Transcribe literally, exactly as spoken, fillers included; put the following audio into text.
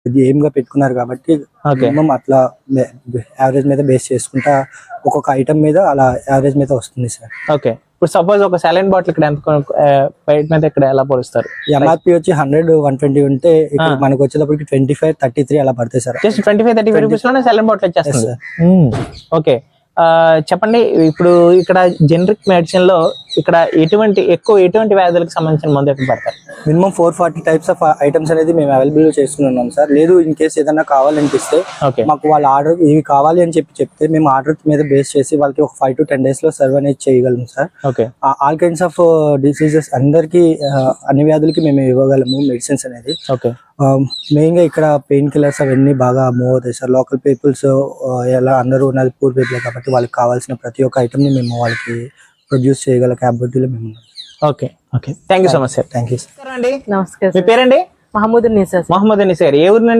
Aim గా పెట్టుకున్నారు కాబట్టి మినిమం అట్లా యావరేజ్ మీద బేస్ చేసుకుంటా ఒక్కొక్క ఐటమ్ మీద అలా యావరేజ్ మీద వస్తుంది సార్. ఓకే, ఇప్పుడు సపోజ్ ఒక సాలైన్ బాటిల్ ఇక్కడ ఎంత బయట మీద ఇక్కడ ఎలా పోలుస్తారు? ఎంఆర్పి వచ్చి హండ్రెడ్ వన్ ట్వంటీ ఉంటే ఇక్కడ మనకు వచ్చేటప్పటికి ట్వంటీ ఫైవ్ థర్టీ త్రీ అలా పడతాయి sir. Just twenty five thirty five rupees లోనే సాలైన్ బాటిల్ వచ్చేస్తుంది. ఓకే, చెప్పండి, ఇప్పుడు ఇక్కడ జనరిక్ మెడిసిన్ లో ఇక్కడ ఎటువంటి ఎక్కువ ఎటువంటి వ్యాధులకు సంబంధించిన మందు ఎక్కడ పడతారు? Minimum four forty types of items అనేది మేము అవైలబుల్ చేస్తున్నాం సార్. లేదు ఇన్ కేసు ఏదైనా కావాలనిపిస్తే మాకు వాళ్ళ ఆర్డర్ ఇవి కావాలి అని చెప్పి చెప్తే మేము ఆర్డర్ మీద బేస్ చేసి వాళ్ళకి ఒక ఫైవ్ టు టెన్ డేస్ లో సర్వ్ అనేది చేయగలము sir. Okay, all kinds of diseases అందరికి అన్ని వ్యాధులకి మేము ఇవ్వగలము మెడిసిన్స్ అనేది. ఓకే, మెయిన్ గా ఇక్కడ పెయిన్ కిల్లర్స్ అవన్నీ బాగా మూవ్ అవుతాయి సార్. లోకల్ పీపుల్స్ ఎలా అందరూ ఉన్నది పూర్ పీపుల్ కాబట్టి వాళ్ళకి కావాల్సిన ప్రతి ఒక్క ఐటమ్ ని మేము వాళ్ళకి ప్రొడ్యూస్ చేయగల క్యాపబిలిటీలో మేము ఉన్నాం. Okay okay thank you so much sir. Thank you sir. అండి నమస్కారం. మీ పేరండి? మహమూద్ నిసా. మహమ్మద్ నిసా గారు ఏ ఊరు?